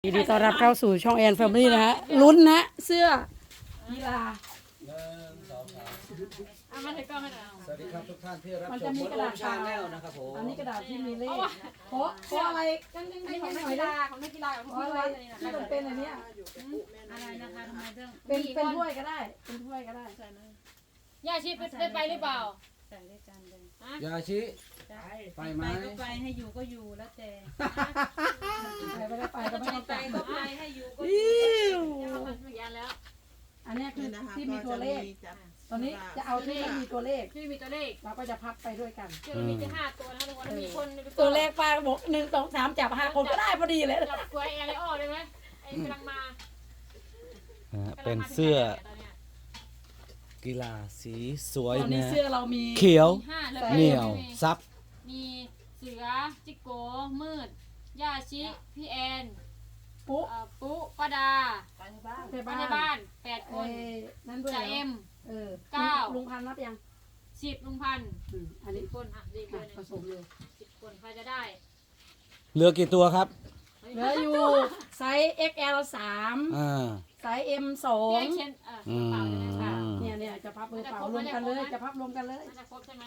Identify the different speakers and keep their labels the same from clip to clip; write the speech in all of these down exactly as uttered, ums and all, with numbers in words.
Speaker 1: ยินดีต้อนรับเข้าสู่ช่องแอนแฟมิลี่นะฮะลุ้นนะเสื้อกีฬา
Speaker 2: หนึ่งสองสาม
Speaker 3: เอามาถือกล้องให้หน่อย
Speaker 2: สวัสดีครับทุกท่านที่รับ
Speaker 1: มัน
Speaker 2: ช
Speaker 1: จะ
Speaker 2: ม
Speaker 1: มี
Speaker 2: บน
Speaker 1: กระ
Speaker 2: โอ
Speaker 1: ดาษ
Speaker 2: ชาแนลนะครับผม
Speaker 1: อันนี้กระดาษที่มีเลขเพราะเพราะอะไรกันยัง
Speaker 3: อัน
Speaker 1: ไง
Speaker 3: นี้
Speaker 1: ข
Speaker 3: ข
Speaker 1: อ
Speaker 3: องง
Speaker 1: ห
Speaker 3: นัก
Speaker 1: น่อย
Speaker 3: กี
Speaker 1: นะ
Speaker 3: ฬาของนักกีฬาของ
Speaker 1: เพราะ
Speaker 3: พี่
Speaker 1: อะไร
Speaker 3: วันนี่นะ
Speaker 1: ที่มันเป็นอันเนี้ย
Speaker 3: อะไรนะคะทำไมต้อง
Speaker 1: เป็นเป็นถ้วยก็ได้เป็นถ้วยก็ได้
Speaker 3: ย่าชีพได้ไปหรือเปล่า
Speaker 4: ใส่ด้วยกันเลย
Speaker 2: ยาชิไปไหม
Speaker 4: ไปก็ไปให้อยู่ก็อยู่แล้วแต่
Speaker 1: ไปไม่ได้ไปก็ไม่ต้อง
Speaker 4: ไป
Speaker 1: ไป
Speaker 4: ก็ไปให้อยู่ก็
Speaker 1: อิ๊ว
Speaker 3: ไม่ยันแล้ว
Speaker 1: อันเนี้ยคือที่มีตัวเลขตอนนี้จะเอาที่ไม่มีตัวเลข
Speaker 3: ที่มีตัวเลข
Speaker 1: เราก็จะพับไปด้วยกัน
Speaker 3: ที่เรามีแค่ห้าตัวนะทุกคนมีคน
Speaker 1: ตัวเลขป้าบอกหนึ่งสองสามจับห้าคนก็ได้พอดีเลย
Speaker 3: จับกล้วยอะไรอ้อได้ไหมไอ้กำลังมา
Speaker 2: นะฮะเป็นเสื้อกีฬาสีสวย
Speaker 1: ตอนนี้
Speaker 2: นะ
Speaker 1: เสื้อเรามี
Speaker 2: เขียว
Speaker 3: ห้าเลย
Speaker 2: เหนียวซับ
Speaker 3: มีเสือจิโกมืดย่าชิพี่แอน
Speaker 1: ปุ๊
Speaker 3: ปุ๊ป้าดา
Speaker 4: ไปบ้าน
Speaker 1: ใน
Speaker 3: บ้า
Speaker 1: บ้าน น
Speaker 3: ในบ้านแปดค
Speaker 1: เอ้
Speaker 3: น
Speaker 1: ยนั่นด้วย
Speaker 3: จ่าเอ็ม
Speaker 1: เออ
Speaker 3: เก้า
Speaker 1: ลุงพันธุ์รับยัง
Speaker 3: สิบลุงพันธุ์
Speaker 1: อืมอันนี้
Speaker 3: สิบคนอ่ะดีเล
Speaker 1: อ่ะ
Speaker 3: ย
Speaker 1: ผสมเลย
Speaker 3: สิบคนใครจะได้
Speaker 2: เหลือกี่ตัวครับ
Speaker 1: เหลืออยู่ไซส์ เอ็กซ์ แอล สาม
Speaker 2: อ่า
Speaker 1: ไซส์ เอ็ม สอ
Speaker 3: เพี
Speaker 1: ง
Speaker 3: ยงเช่นเออ
Speaker 2: อืม
Speaker 3: เปล่าเลยนะ
Speaker 1: ค่ะ
Speaker 3: คะ
Speaker 1: เนี่ยเนี่ยจะพับมือเปล่ารวมกันเลยจะพับรวมกันเลย
Speaker 3: น่าจะครบใช่ไหม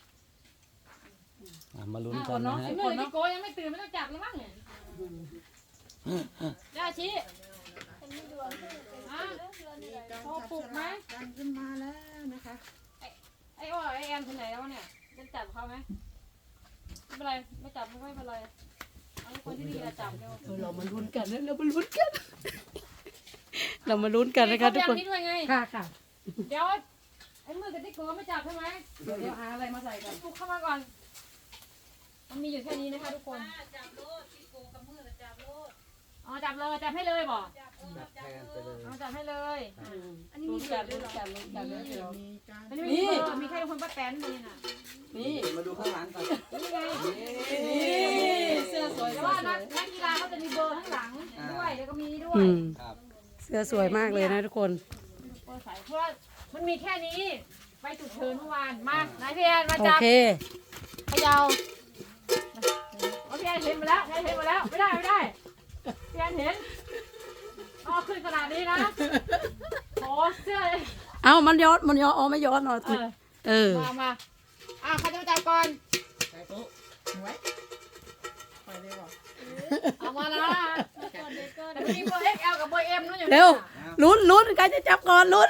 Speaker 2: อ่ะมาลุ้น
Speaker 1: อ่ะ
Speaker 2: กัน
Speaker 1: เนาะ
Speaker 2: นะฮะ
Speaker 3: ไอ้เมื่อกี้โกยังไม่ตื่นไม่ต้องจับแล้วมั้งเนี่ยย่าชี้อ่ะพอปลุกไหม
Speaker 4: กันขึ้นมาแล้วนะคะ
Speaker 3: ไอ้อ้อไอ้แอมที่ไหนแล้วเนี่ยจะจับเขาไหมไม่เป็นไรไม่จับไม่เป็นไรเอาคนที่ดีจะจับเร็ว
Speaker 1: เออเรามาลุ้นกันนะเรามาลุ้นกัน เรามาลุ้นกันนะคะทุกคน
Speaker 3: นี่ด้วยไง
Speaker 1: ค่ะค่ะ
Speaker 3: เดี๋ยวไอ้มือกับที่โกไม่จับใช่ไหม
Speaker 1: เดี๋ยวเดี๋ยวหาอะไรมาใส่กัน
Speaker 3: ปลุกเข้ามาก่อน มันมีอยู่แค่นี้นะคะทุกคน
Speaker 4: จับโลดที่โกกับมือจับโลด
Speaker 3: อ๋อจับเลยจับให้เลยบอก
Speaker 4: จับโล
Speaker 2: จับ
Speaker 4: ด
Speaker 2: แทนไปเลย
Speaker 3: อ๋อจับให้เลย
Speaker 1: อันนี้มีกันลุ้นกันลุ้นกันเลยเดี๋ยว
Speaker 4: มีการ
Speaker 3: อันนี้มีเบอร์มีแค่คนป้าแตนนี่น่ะ
Speaker 1: นี่
Speaker 2: มาดูข้างหลังก่อน
Speaker 3: นี่ไง
Speaker 1: นี่เสื้อสวย
Speaker 3: แต่
Speaker 1: สว
Speaker 3: ว่าย นักนักกีฬาเขาจะมีเบอร์ข้างหลังด้วยแล้วก็มีนี่ด้วย
Speaker 1: อืม
Speaker 2: ครับ
Speaker 1: เสื้อสวยมากเลยนะทุกคน
Speaker 3: เบอร์ใส่เพราะว่ามันมีแค่นี้ ไปจุดเชิญเมื่อวานมานายพี่แอนมา
Speaker 1: โอ
Speaker 3: จับ
Speaker 1: เค
Speaker 3: พะเยาโอเคเห็นมาแล้วเห็นมาแล้วไม่ได้ไม่ได้พี่แอนเห็นอ๋อขึ้นขนาดนี้นะโอ้เสื้อ
Speaker 1: เอามันย้อนมันย้อนอ๋อไม่ย้อนหน่อย
Speaker 3: เออ
Speaker 1: เออ
Speaker 3: มามาอ่ะใครจะมาจับก่อน
Speaker 4: ไปเลยบอก
Speaker 3: เอามาละแต่มีเบอร์ เอ็กซ์ แอล กับเบอร์ เอ็ม นั่นอยู่
Speaker 1: เร็วลุ้นลุ้นใครจะจับก่อนลุ้น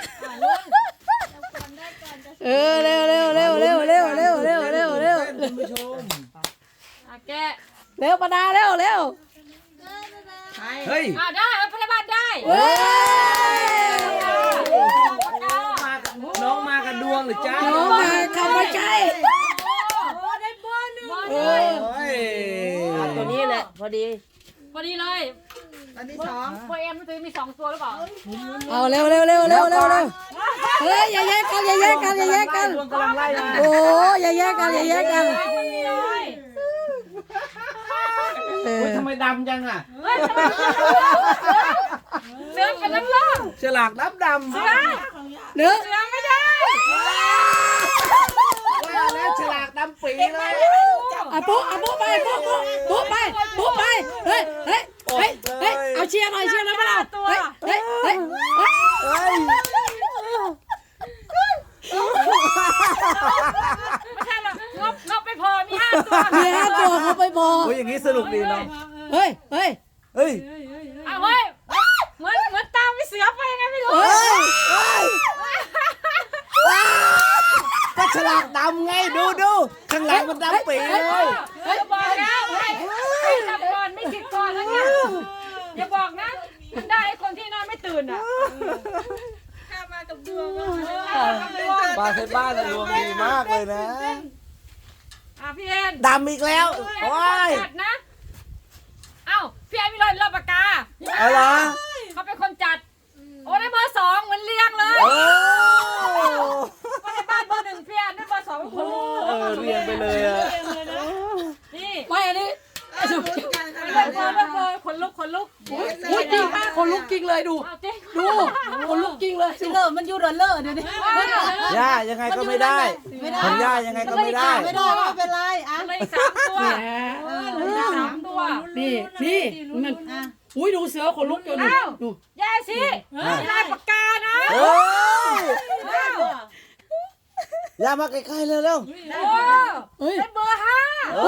Speaker 1: เออเร็วเร็วเร็วเร็วเร็วเร็วเร็วเร็วเร็ว
Speaker 2: คุณผู้ชม
Speaker 3: อ่ะแกะ
Speaker 1: เร็วประดาเร็วเร็ว
Speaker 2: เฮ้ย
Speaker 3: อ่ะได้เอาพยาบาลได้
Speaker 1: เว้ย
Speaker 2: มากับน้องมากันดวงหรือจ้า
Speaker 1: น้องมาคำว่าใช่
Speaker 3: โอ้ได้บอลหนึ่ง
Speaker 1: เอ
Speaker 2: โอ้
Speaker 1: อย
Speaker 5: ตัวนี้แหละพอดี
Speaker 3: พอดีเลย
Speaker 4: อันที่สอง
Speaker 3: เบอร์ เอ็ม มันจะมีสองตัวหรือเปล่า
Speaker 1: เอาเร็วเร็วเร็วเร็วเร็วเร็วเฮ้ยอย่าแยกกันอย่าแยกกันอย่าแยกกัน
Speaker 2: ดวงกำลังไล่มา
Speaker 1: โอ้อย่าแยกกันอย่าแยกกัน
Speaker 3: ได้คนนี้เลย
Speaker 1: เออ
Speaker 2: โอ้ยทำไมดำจังอ่ะ
Speaker 3: เฮ้ยเสือกับน้ำล่อง
Speaker 2: ฉลากดำดำ
Speaker 3: เสือ
Speaker 1: เนื้อ
Speaker 3: เสือไม่ได้
Speaker 2: ว่าแล้วฉลากดำปีเลย
Speaker 1: อ่ะปุ๊อ่ะปุ๊ไปปุ๊ปุ๊ปุ๊ไปปุ๊ไปเฮ้ยเฮ้ยเฮ้ยเฮ้ยเอาเชียร์หน่อยเชียร์หน่อยมาเราเฮ้ยเฮ้ยเฮ้ย
Speaker 2: เฮ้ย
Speaker 3: ไม่ใช่หรอกงบงบไม่พอ มีห้าตัว
Speaker 1: มีห้าตัวเขาไปบอ
Speaker 2: โอ้ยอย่างนี้สนุกดีเนาะ
Speaker 1: เฮ้ยเฮ้ย
Speaker 2: เฮ้ย
Speaker 3: เอาเฮ้ยเหมือนเหมือนตามไปเสือไปยังไงไม่รู้
Speaker 1: เฮ้ย
Speaker 2: ก็ฉลากดำไงดูดูข้างหลังมันดำปีเลย
Speaker 3: เฮ้ยบอกแล้วให้ให้จับก่อนไม่ติดก่อนแล้วเนี่ยอย่าบอกนะมันได้ไอ้คนที่นอนไม่ตื่นอ่ะ
Speaker 4: ข้ามากับดวง
Speaker 3: เออกับดวง
Speaker 2: บ้านเซบ้านดวงดีมากเลยนะ
Speaker 3: อ่ะพี่เอ็น
Speaker 2: ดำอีกแล้วโอ้ย
Speaker 3: จัดนะเอ้าพี่เอ็นมีรอยรอบปากกา
Speaker 2: เอาเหรอ
Speaker 3: เขาเป็นคนจัดโอ้ได้เบอร์สองเหมือนเรียงเลย
Speaker 2: โอ้
Speaker 3: ก็ในบ้านเบอร์หนึ่งพี่เอ็นได้เบอร์สองเป็นคน
Speaker 2: เออเรียนไปเลยอะ
Speaker 3: นี่
Speaker 1: ไม่อันนี้
Speaker 3: เลือกเบอร์เลือกเบอร์ขนลุกขนลุก
Speaker 1: พูดจริงมากคนลุกจริงเลยดู
Speaker 3: เอาจริง
Speaker 1: ดูคนลุกจริงเลยเลิศมันอยู่เดินเลิศเดี๋ยวนี้
Speaker 2: ย่ายังไงก็ไม่ได้ของย่ายังไงก็ไม่ได้
Speaker 4: ไม่ได้ไม่เป็นไรอ่ะ
Speaker 3: เลยสามตัว
Speaker 1: เนี่ย
Speaker 3: เลยสามตัว
Speaker 1: นี่นี่มันอุ้ยดูเสือขนลุกอยู่นี่ดู
Speaker 3: ยายสิลายปากกานะ
Speaker 2: โอ้ยอย่ามาใกล้ๆเร็วเร็ว
Speaker 3: โอ้
Speaker 1: เฮ้ย
Speaker 3: เป็นเบอร์ห้า
Speaker 2: โอ้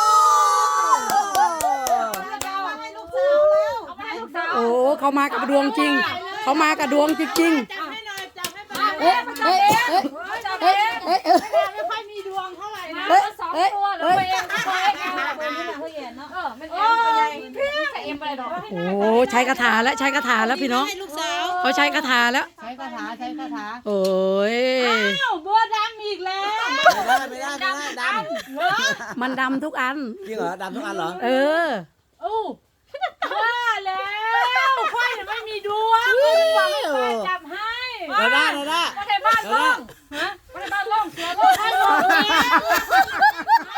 Speaker 4: เอาให้ลูกสาวแล้ว
Speaker 3: เอาไปให้ลูกสาว
Speaker 1: โอ้เขามากับดวงจริง เขามากับดวงจริง
Speaker 4: จับให้หน่อยจับให้
Speaker 3: มา
Speaker 4: ไป
Speaker 3: เอ๊ะเอ๊ะเอ๊ะ
Speaker 1: ๆเฮ้ยเฮ้ยเฮ้ย
Speaker 4: ไม่ค่อยมีดวงเท่าไหร่นะ
Speaker 3: เบอร์สองตัวหรือเบอร์เอ็มเบอร์เอ็ม
Speaker 4: เบอร์นี้นะเขาเห็นเนาะ
Speaker 3: เออมันเอ็มตัวใหญ่พี่ใส่เอ็มไปเลยดอก
Speaker 1: โอ้ใช้คาถาแล้วใช้คาถาแล้วพี่น้อง
Speaker 4: ให้ลูกสาว
Speaker 1: เขาใช้คาถาแล้ว
Speaker 4: ใช้คาถาใช้คาถา
Speaker 1: โอ้ย
Speaker 4: อ้าวเบอร์ดำอีกแล้ว
Speaker 2: ไม่ได้ไม่ได้ไม่ได้ด
Speaker 1: มันดำทุกอัน
Speaker 2: ำจริงเหรอดำทุกอันเหรอ
Speaker 1: เออ
Speaker 3: อู้
Speaker 4: ว่าแล้วค่อยน่ะไม่มีดวงบอกให้ค่อยจับให้
Speaker 2: ดาด้าดาด้า
Speaker 3: ประเทศบ้านล่องฮะประเทศบ้านล่องเสือล่องให้ล่องเสือ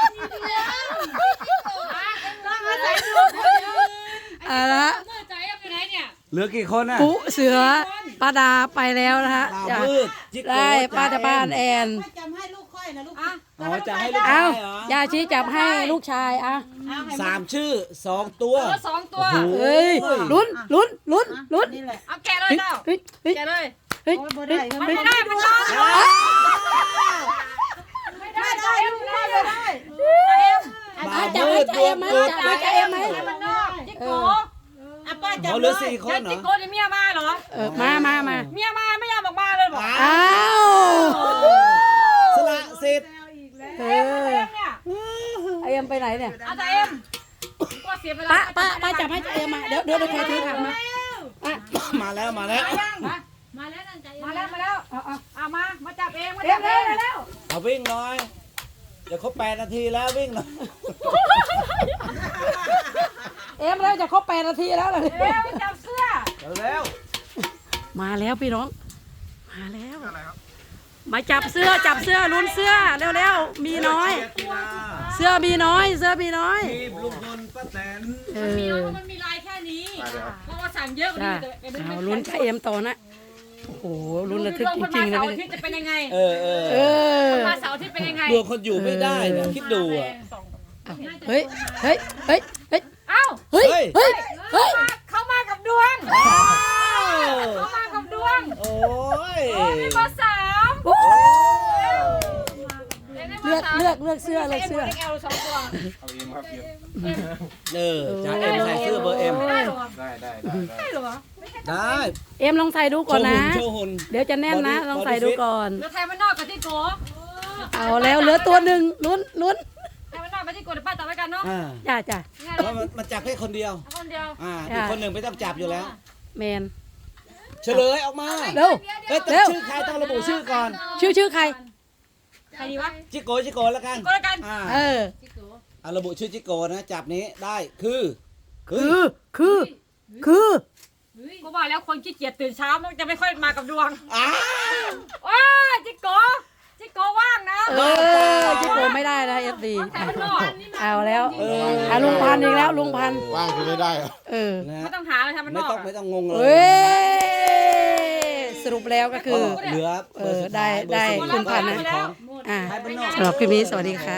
Speaker 1: เอาละ
Speaker 3: เมื่อใจเอ็มอยู่ไหนเนี่ย
Speaker 2: เหลือกี่คนอ่ะ
Speaker 1: ปุ๊เสือป้าดาไปแล้วนะฮะ
Speaker 2: ดาว
Speaker 1: จ้ะ
Speaker 2: มืดจิ๊กโก้
Speaker 1: ได้ป้าจะบ้านแอน
Speaker 4: ค่อยจำให้ลูกค่อยนะลูก
Speaker 3: อ่ะ
Speaker 2: อ๋อจะให้ลูก
Speaker 1: เอา
Speaker 2: ชายเหรอย
Speaker 1: าชีจับให้ลูกชายอ่ะ
Speaker 2: สามชื่อสองตัว
Speaker 3: เสือสองตัว
Speaker 2: โอ้โห
Speaker 1: เฮ้ยลุ้นลุ้นลุ้นลุ้น
Speaker 4: นี่แหละ
Speaker 3: เอาแกะเลยเจ้า
Speaker 1: เฮ้ยเฮ้ย
Speaker 3: แกะเลย
Speaker 1: เฮ้ย
Speaker 4: โอ้ยบ่
Speaker 1: เฮ้
Speaker 4: ได้
Speaker 1: ย
Speaker 4: มัน
Speaker 3: มัน
Speaker 4: ไม่
Speaker 3: ไม่
Speaker 4: ได้
Speaker 3: ได้มันนอกไม่ได้ใจเอ็มไม่ได้เลยใจเอ็ม
Speaker 2: บ่าว
Speaker 1: จับ
Speaker 2: มื
Speaker 1: ให้
Speaker 2: ด
Speaker 1: ใจ
Speaker 2: ดว
Speaker 1: เอ็
Speaker 2: ง
Speaker 1: มไหม
Speaker 2: เกิด
Speaker 1: จับให้ใจเอ็มไหม
Speaker 3: มันนอกจิ๊กโก
Speaker 4: อ่ะป้าจับ
Speaker 2: เขาเหลือสี่คนเหรอ
Speaker 3: จิ๊กโกนี่เมียมาเหรอ
Speaker 1: เออมามามา
Speaker 3: เมียมาไม่ยอมออกมาเลยบอก
Speaker 1: อ้าว
Speaker 2: สละสิทธิ์
Speaker 1: เอ
Speaker 3: เอ็ม
Speaker 1: อ
Speaker 3: เอ็มเนี่ย
Speaker 1: ไอเอ็มไปไหนเนี่ย
Speaker 3: อาจารย์เอ็มก็เสียเวลา
Speaker 1: ป้าป้าป้าจับให้ใจเอ็มมาเดี๋ยวเดี๋ยวเดี๋ยวใครถือถังมาอ่ะ
Speaker 2: มาแล้วมาแล้ว
Speaker 3: มาแล้วนั่นใจมาแล้วมาแล้ว
Speaker 1: เอาเอา
Speaker 3: เอามามาจับเองมา
Speaker 1: เอ็
Speaker 3: จั
Speaker 1: ม
Speaker 3: บเอ
Speaker 1: เร็ว
Speaker 3: ง
Speaker 1: เร็ว
Speaker 2: เอาวิ่งหน่อยเดี๋ยวครบแปดนาทีแล้ววิ่งหน่อย
Speaker 1: เอ็มเราจะครบแปดนาทีแล้วเลย
Speaker 3: เอ็มจับเสื้อ
Speaker 2: เร็ว
Speaker 1: มาแล้วพี่น้อง มาแล้ว มาจับเสื้อจับเสื้อลุ้นเสื้อเร็วๆมีน้อย
Speaker 2: กีฬา
Speaker 1: เสื้อมีน้อย เสื้อมีน้อย
Speaker 2: ทีมลุงพลป้าแตน
Speaker 1: เอ
Speaker 3: มี
Speaker 1: อ
Speaker 3: น้อยมันมีลายแค่นี้เพราะว่าสั่งเยอะกว่า
Speaker 1: จ้า
Speaker 3: นี้แต่
Speaker 1: เอาลุ้นใจเอ็มต่อนะโอ้โหลุ้นระทึกจริงๆเลย
Speaker 3: เสาร์
Speaker 1: ไม่
Speaker 3: อาทิตย์จะเป็นยังไง
Speaker 2: เออเออ
Speaker 1: เออ
Speaker 3: มาเสาร์อาทิตย์เป็นยังไง
Speaker 2: ดวงคนอยู่ไม่ได้เนี่ยคิดดูอ่ะ
Speaker 1: เฮ้ยเฮ้ยเฮ้ยเฮ้ย
Speaker 3: เอ้า
Speaker 1: เฮ้ยเฮ้ยเฮ้ย
Speaker 3: เขามากับดวง
Speaker 2: อ้าว
Speaker 3: เขามากับดวง
Speaker 2: โอ้ย
Speaker 3: โอ้มีเบอร์สาม
Speaker 1: โอ้
Speaker 3: เลื
Speaker 1: เลือกเลือกเลือกเสื้อเลือกเสื้อ
Speaker 3: เอลสองตัว
Speaker 2: เออจ่าเอ็มใส่เสื้อเบอร์เอ็ม
Speaker 3: ได้เหรอ
Speaker 6: ได้ได้ได้ได้
Speaker 3: ได้เหรอ
Speaker 2: ได้
Speaker 1: เอ็มลองใส่ดูก่อนนะ
Speaker 2: โชว์หุ่น
Speaker 1: เดี๋ยวจะแน่นนะลองใส่ดูก่อน
Speaker 3: เหลือไทยมันนอกกับที่โก
Speaker 1: เอาแล้วเหลือตัวหนึ่งลุ้นลุ้น
Speaker 3: ไทยมันนอกกับที่โกเดี๋ยวป้าจับไว้กันเนาะ
Speaker 2: อ่า
Speaker 1: จ้าจ้า
Speaker 3: ง่าย
Speaker 2: เพราะมันมันจับแค่คนเดียว
Speaker 3: คนเดียว
Speaker 2: อ่าอีกคนหนึ่งไม่ต้องจับอยู่แล้ว
Speaker 1: แมน
Speaker 2: เฉลยออกมา
Speaker 1: เร็ว
Speaker 2: เอ้ยต้อง
Speaker 1: เร็ว
Speaker 2: ชื่อใครต้องระบุชื่อก่อน
Speaker 1: ชื่อชื่อใคร
Speaker 3: ใครดีวะ
Speaker 2: จิโกจิโกแล้วกัน
Speaker 3: ก็แล้วกัน
Speaker 2: อ่า
Speaker 1: เออ
Speaker 2: เอาระบุชื่อจิโกนะจับนี้ได้คือ
Speaker 1: คือคือคือ
Speaker 3: กูบอกแล้วคนขี้เกียจตื่นเช้ามันจะไม่ค่อยมากับดวง
Speaker 2: อ้าว
Speaker 3: ว้าจิโกจิโกว่างนะ
Speaker 1: เออจิโกไม่ได้นะเอฟดี
Speaker 3: ไทยมันนอก
Speaker 1: เอาแล้ว
Speaker 2: เออ
Speaker 1: อ่ะลุงพันธุ์อีกแล้วลุงพันธุ์
Speaker 6: ว่างคือไม่ได้เหรอ
Speaker 1: เออ
Speaker 2: นะ
Speaker 3: ไม่ต้องหาเลยไทยมันน
Speaker 2: ไม่
Speaker 3: อก
Speaker 2: ต้องไม่ต้องงงเล
Speaker 1: เอ้
Speaker 2: ย
Speaker 1: ยสรุปแล้วก็คือ
Speaker 2: เหลือ
Speaker 1: เอ
Speaker 2: เบอร์
Speaker 1: อ
Speaker 2: สุด
Speaker 1: ได้
Speaker 2: ท้ายเบอร์
Speaker 1: ได้
Speaker 2: สี่
Speaker 1: คุณพันธุ์นะ
Speaker 2: ของ
Speaker 1: อ่า
Speaker 2: ไทยบ้านนอก
Speaker 1: สำหรับคลิปนี้สวัสดีค่ะ